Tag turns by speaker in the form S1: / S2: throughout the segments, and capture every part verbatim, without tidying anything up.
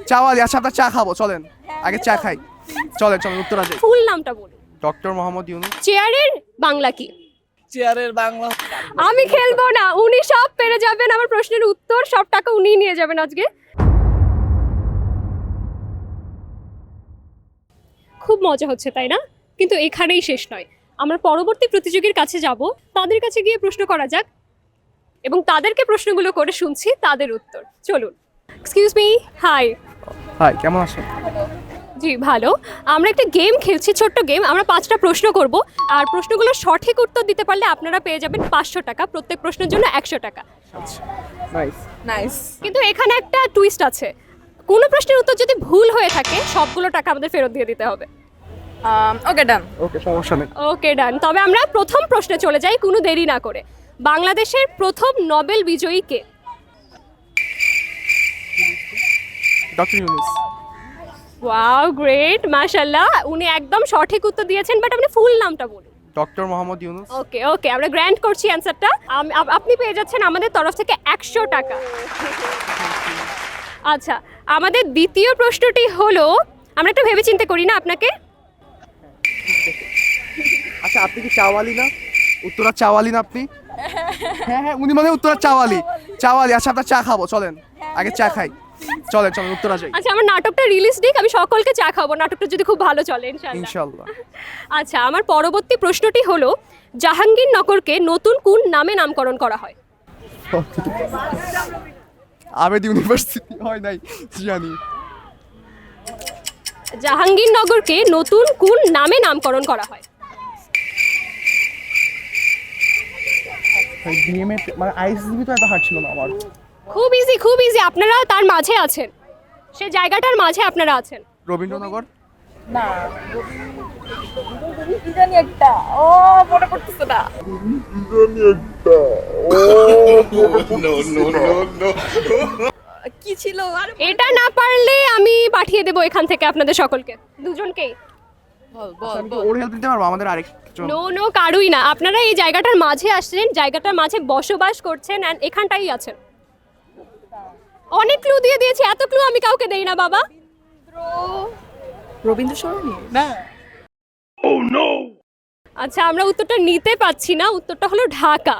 S1: চাওয়ালি। আচ্ছা আপনার চা খাবো, চলেন আগে চা খাই। চলেন চলেন উত্তরা যাই।
S2: ফুল নামটা বলুন।
S1: ডক্টর মোহাম্মদ ইউনূস।
S2: চেয়ারের বাংলা কি?
S3: চেয়ারের বাংলা
S2: আমি খেলবো না, উনি সব পেরে যাবেন। আমার প্রশ্নের উত্তর, সব টাকা উনিই নিয়ে যাবেন আজকে। খুব মজা হচ্ছে তাই না? কিন্তু এখানেই শেষ নয়, আমরা পরবর্তী প্রতিযোগীর কাছে যাব, তাদের কাছে গিয়ে প্রশ্ন করা যাক এবং তাদেরকে প্রশ্নগুলো করে শুনছি তাদের উত্তর। চলুন। Excuse me, high.
S1: হাই, কেমন আছেন?
S2: জি ভালো। আমরা একটা গেম খেলছি, ছোট্ট গেম। আমরা পাঁচটা প্রশ্ন করব, আর প্রশ্নগুলো সঠিক উত্তর দিতে পারলে আপনারা পেয়ে যাবেন পাঁচশো টাকা, প্রত্যেক প্রশ্নের জন্য একশো টাকা।
S1: আচ্ছা নাইস
S3: নাইস।
S2: কিন্তু এখানে একটা টুইস্ট আছে, কোনো প্রশ্নের উত্তর যদি ভুল হয়ে থাকে সবগুলো টাকা আমাদের ফেরত দিয়ে দিতে হবে।
S3: ওকে ডান।
S1: ওকে, সমস্যা নেই।
S2: ওকে ডান। তবে আমরা প্রথম প্রশ্নে চলে যাই কোনো দেরি না করে। বাংলাদেশের প্রথম নোবেল বিজয়ী কে?
S1: ডক্টর ইউনূস।
S2: ওয়াও, গ্রেট, মাশাআল্লাহ। উনি একদম সঠিক উত্তর দিয়েছেন, বাট আপনি ফুল নামটা বলুন।
S1: Doctor Mohammad Yunus.
S2: Okay okay, আমরা গ্র্যান্ড করছি অ্যান্সারটা। আপনি পেয়ে যাচ্ছেন আমাদের তরফ থেকে একশো টাকা। আচ্ছা, আমাদের দ্বিতীয় প্রশ্নটি হলো, আমরা একটু ভেবেচিন্তে করি না আপনাকে।
S1: আচ্ছা আপনি কি চাওয়ালি না? উত্তরা চাওয়ালি না আপনি? হ্যাঁ হ্যাঁ, উনি মানে উত্তরা চাওয়ালি। চাওয়ালি। আচ্ছা আপনার চা খাবো, চলেন আগে চা খাই। চলেন চলেন উত্তরা যাই।
S2: আচ্ছা, আমার নাটকটা রিলিজ দিক, আমি সকলকে চা খাবো, নাটকটা যদি খুব ভালো চলে ইনশাআল্লাহ।
S1: ইনশাআল্লাহ।
S2: আচ্ছা, আমার পরবর্তী প্রশ্নটি হলো, জাহাঙ্গীরনগরকে নতুন কোন নামে নামকরণ করা হয়?
S1: আবেদ ইউনিভার্সিটি হয় নাই জানি।
S2: জাহাঙ্গীরনগরকে নতুন কোন নামে নামকরণ করা হয়?
S1: ডিএমএ মানে আইএসসিবি তো এত হার্ড ছিল না আমার।
S2: খুব ইজি, খুব ইজি। আপনারা তার মাঝে আছেন, সে জায়গাটার মাঝে আপনারা আছেন।
S1: রবীন্দ্রনগর।
S3: না, জানি একটা ও মনে পড়তেছে না। কি ছিল আর
S2: এটা না পারলে আমি পাঠিয়ে দেবো এখান থেকে আপনাদের সকলকে, দুজনকেই।
S3: বল বল
S1: আমি কি
S3: বল।
S1: ওর হেল্প নিতে পারবো? আমাদের আরেকজন।
S2: নো নো, কারুই না। আপনারা এই জায়গাটার মাঝে আসছেন, জায়গাটার মাঝে বসবাস করছেন, এন্ড এখানটাই আছেন। অনেক ক্লু দিয়ে দিয়েছি, এত ক্লু আমি কাউকে দেই না বাবা।
S3: রবীন্দ্র সরণি না।
S2: আচ্ছা, আমরা উত্তরটা নিতে পাচ্ছি না। উত্তরটা হলো ঢাকা।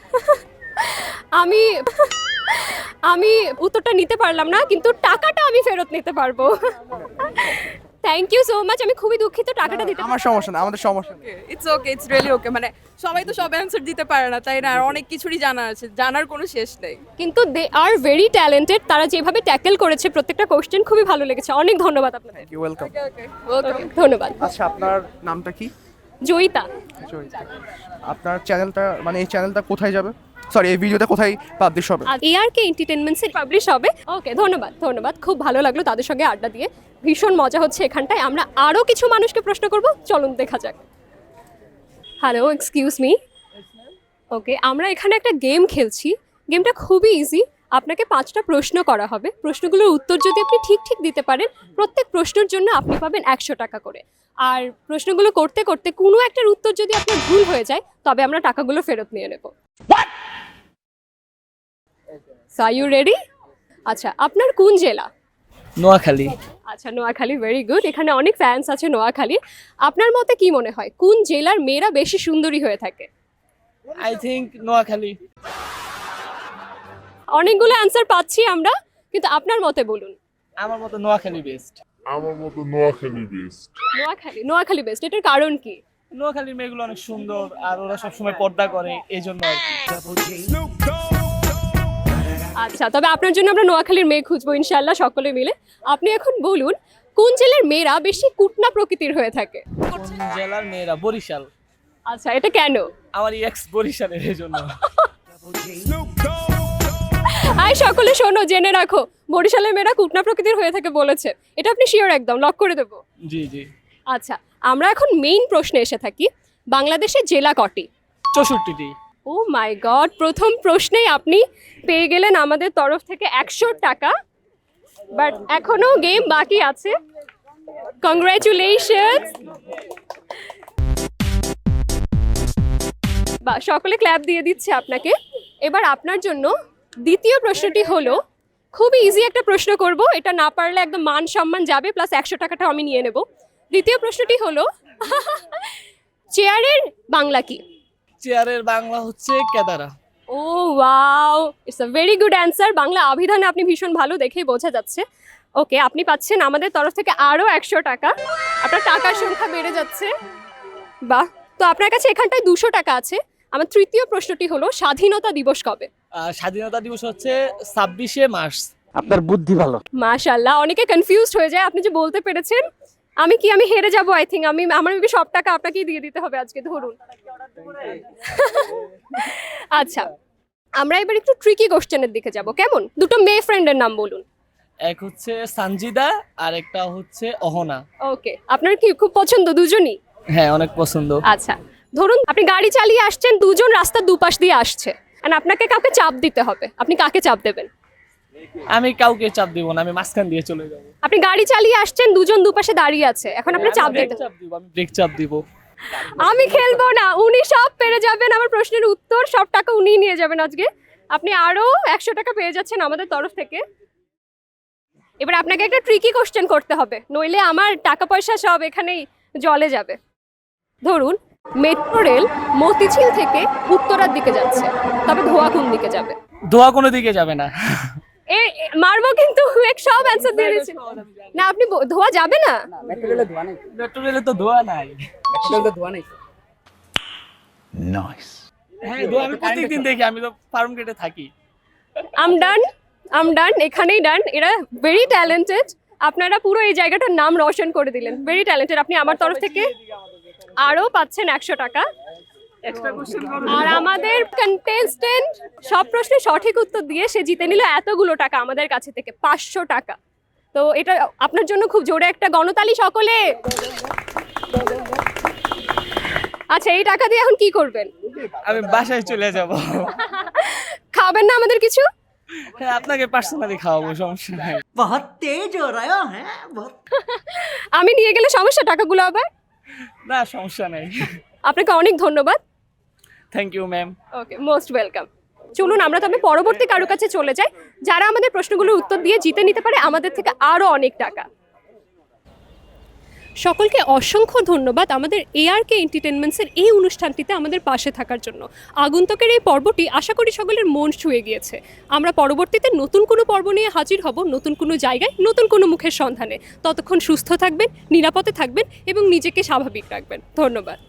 S2: আমি আমি উত্তরটা নিতে পারলাম না, কিন্তু টাকাটা আমি ফেরত নিতে পারবো। Thank you so much. আমি খুবই দুঃখিত, টাকাটা দিতে
S1: আমার সমস্যা না, আমাদের সমস্যা নেই।
S3: It's okay, it's really okay. মানে সবাই তো সব অ্যানসার দিতে পারে না, তাই না? আর অনেক কিছুরই জানা আছে, জানার কোনো শেষ নেই।
S2: কিন্তু দে আর ভেরি ট্যালেন্টেড। তারা যেভাবে ট্যাকেল করেছে প্রত্যেকটা কোশ্চেন, খুবই ভালো লেগেছে। অনেক ধন্যবাদ আপনাদের।
S1: You welcome.
S3: Okay okay welcome.
S2: Okay, ধন্যবাদ।
S1: আচ্ছা আপনার নামটা কি?
S2: জয়িতা।
S1: জয়িতা। আপনার চ্যানেলটা মানে এই চ্যানেলটা কোথায় যাবে? সরি, এই ভিডিওটা কোথায় পাবলিশ হবে?
S2: এআরকে এন্টারটেইনমেন্টসে পাবলিশ হবে। ওকে, ধন্যবাদ ধন্যবাদ। খুব ভালো লাগলো তাদের সঙ্গে আড্ডা দিয়ে, ভীষণ মজা হচ্ছে এখানটায়। আমরা আরও কিছু মানুষকে প্রশ্ন করব, চলুন দেখা যাক। Hello, excuse me. ওকে, আমরা এখানে একটা গেম খেলছি। গেমটা খুবই ইজি। আপনাকে পাঁচটা প্রশ্ন করা হবে, প্রশ্নগুলোর উত্তর যদি আপনি ঠিক ঠিক দিতে পারেন, প্রত্যেক প্রশ্নের জন্য আপনি পাবেন একশো টাকা করে। আর প্রশ্নগুলো করতে করতে কোনো একটার উত্তর যদি আপনার ভুল হয়ে যায়, তবে আমরা টাকাগুলো ফেরত নিয়ে নেব। So are you ready? আচ্ছা, আপনার কোন জেলা?
S4: নোয়াখালী।
S2: আচ্ছা, নোয়াখালী, ভেরি গুড। এখানে অনেক ফ্যান্স আছে নোয়াখালী। আপনার মতে কি মনে হয়, কোন জেলার মেয়েরা বেশি সুন্দরী হয়ে থাকে?
S4: I think Noakhali.
S2: অনেকগুলো অ্যান্সার পাচ্ছি আমরা, কিন্তু আপনার মতে বলুন।
S4: আমার মতে নোয়াখালী বেস্ট।
S5: আমার মতো নোয়াখালী বেস্ট।
S2: নোয়াখালী নোয়াখালী বেস্ট। এটার কারণ কি?
S4: নোয়াখালীর মেয়েগুলো অনেক সুন্দর, আর ওরা সবসময় পর্দা করে, এই জন্য আর কি।
S2: আচ্ছা, তবে আপনার জন্য আমরা নোয়াখালীর মেয়ে খুঁজবো ইনশাআল্লাহ, সকলে মিলে। আপনি এখন বলুন, কোন জেলার মেয়েরা বেশি কুটনা প্রকৃতির হয়ে থাকে?
S4: কোন জেলার মেয়েরা? বরিশাল।
S2: আচ্ছা, এটা কেন?
S4: আমার এক্স বরিশালের, এই জন্য।
S2: আই সকলে শোনো, জেনে রাখো, বরিশালের মেয়েরা কুটনা প্রকৃতির হয়ে থাকে বলেছে। এটা আপনি শিওর? একদম লক করে দেবো।
S4: জি জি।
S2: আচ্ছা, আমরা এখন মেইন প্রশ্নে এসে থাকি। বাংলাদেশের জেলা কটি?
S4: চৌষট্টিটি।
S2: ও মাই গড, প্রথম প্রশ্নেই আপনি পেয়ে গেলেন আমাদের তরফ থেকে একশো টাকা। বাট এখনো গেম বাকি আছে। কংগ্রাচুলেশনস। বা সকলে ক্ল্যাপ দিয়ে দিচ্ছে আপনাকে। এবার আপনার জন্য দ্বিতীয় প্রশ্নটি হলো, খুবই ইজি একটা প্রশ্ন করব, এটা না পারলে একদম মান সম্মান যাবে, প্লাস একশো টাকাটা আমি নিয়ে নেব। দ্বিতীয় প্রশ্নটি হলো চেয়ারের বাংলা কি?
S4: চেয়ারের বাংলা হচ্ছে কেদারা।
S2: ও wow, it's a very good answer. Bangla অভিধানে আপনি ভীষণ ভালো, দেখেই বোঝা যাচ্ছে। ওকে, আপনি পাচ্ছেন আমাদের তরফ থেকে আরও একশো টাকা। আপনার টাকার সংখ্যা বেড়ে যাচ্ছে। বাহ, তো আপনার কাছে এখানটায় দুশো টাকা আছে। আমার তৃতীয় প্রশ্নটি হলো স্বাধীনতা দিবস কবে?
S4: আর স্বাধীনতা দিবস হচ্ছে ছাব্বিশে মার্চ।
S6: আপনার বুদ্ধি ভালো।
S2: মাশাআল্লাহ, অনেকে কনফিউজড হয়ে যায়, আপনি যে বলতে পেরেছেন। আমি কি আমি হেরে যাব? আই থিঙ্ক আমি আমার মেবি সব টাকা আপনাকেই দিয়ে দিতে হবে আজকে, ধরুন। আচ্ছা, আমরা এবার একটু ট্রিকি কোশ্চেনের দিকে যাব, কেমন? দুটো মেয়ে ফ্রেন্ডের নাম বলুন।
S4: এক হচ্ছে সানজিদা আর একটা হচ্ছে অহনা।
S2: ওকে, আপনার কি খুব পছন্দ দুজনই?
S4: হ্যাঁ, অনেক পছন্দ।
S2: আচ্ছা, ধরুন আপনি গাড়ি চালিয়ে আসছেন, দুজন রাস্তার দুপাশ দিয়ে আসছে, আর আপনাকে কাউকে চাপ দিতে হবে, আপনি কাকে চাপ দেবেন?
S4: আমি কাউকে চাপ দিব না, আমি মাঝখান দিয়ে চলে যাব।
S2: আপনি গাড়ি চালিয়ে আসছেন, দুজন দুপাশে দাঁড়িয়ে আছে, এখন আপনি চাপ
S4: ব্রেক
S2: দিতে।
S4: চাপ দিব, আমি ব্রেক চাপ দিব।
S2: আমি খেলবো না, উনি সব পেরে যাবেন, আমার প্রশ্নের উত্তর সব টাকা উনিই নিয়ে যাবেন আজকে। আপনি আরো একশো টাকা পেয়ে যাচ্ছেন আমাদের তরফ থেকে। এবার আপনাকে একটা ট্রিকি কোশ্চেন করতে হবে, নইলে আমার টাকা পয়সা সব এখানেই জলে যাবে। ধরুন মেট্রো রেল মতিঝিল থেকে উত্তরার দিকে যাচ্ছে, তবে ধোয়া কোন দিকে যাবে?
S4: ধোয়া কোনো দিকে যাবে না।
S2: এ এ, মারবো কিন্তু, এক সব অ্যান্সার দিয়ে দিচ্ছি। না, আপনি ব- ধোয়া যাবে না।
S6: মেট্রো রেলে ধোয়া নেই।
S4: মেট্রো রেলে তো ধোয়া নাই।
S6: মেট্রো রেলে ধোয়া নেই।
S4: হ্যাঁ, ধোয়া আমি প্রত্যেকদিন দেখি, আমি তো ফার্ম গেটে থাকি।
S2: আম ডান, আম ডান, এখানেই ডান। এরা ভেরি ট্যালেন্টেড, আপনারা পুরো এই জায়গাটার নাম রোশন করে দিলেন, ভেরি ট্যালেন্টেড। আপনি আমার তরফ থেকে আরও পাচ্ছেন একশো টাকা। আর আমাদের কন্টেস্টেন্ট সব প্রশ্নের সঠিক উত্তর দিয়ে সে জিতে নিল এতগুলো টাকা আমাদের কাছে থেকে, পাঁচশো টাকা। তো এটা আপনার জন্য খুব জোরে একটা গণতালি সকলে। আচ্ছা, এই টাকা দিয়ে এখন কি করবেন?
S4: আমি বাসায় চলে যাব।
S2: খাবেন না আমাদের কিছু?
S4: হ্যাঁ, আপনাকে পার্সোনালি খাওয়াবো, সমস্যা নাই।
S7: बहुत तेज हो रहा है बहुत।
S2: আমি নিয়ে গেলে সমস্যা টাকাগুলো আবার?
S4: না, সমস্যা নাই।
S2: আপনাকে অনেক ধন্যবাদ।
S4: Thank you ma'am.
S2: Okay, most welcome. চলুন আমরা তবে পরবর্তী কারো কাছে চলে যাই, যারা আমাদের প্রশ্নগুলোর উত্তর দিয়ে জিতে নিতে পারে আমাদের থেকে আরও অনেক টাকা। সকলকে অসংখ্য ধন্যবাদ আমাদের এআরকে এন্টারটেনমেন্টসের এই অনুষ্ঠানটিতে আমাদের পাশে থাকার জন্য। আগন্তুকের এই পর্বটি আশা করি সকলের মন ছুঁয়ে গিয়েছে। আমরা পরবর্তীতে নতুন কোনো পর্ব নিয়ে হাজির হব, নতুন কোনো জায়গায়, নতুন কোনো মুখের সন্ধানে। ততক্ষণ সুস্থ থাকবেন, নিরাপদে থাকবেন এবং নিজেকে স্বাভাবিক রাখবেন। ধন্যবাদ।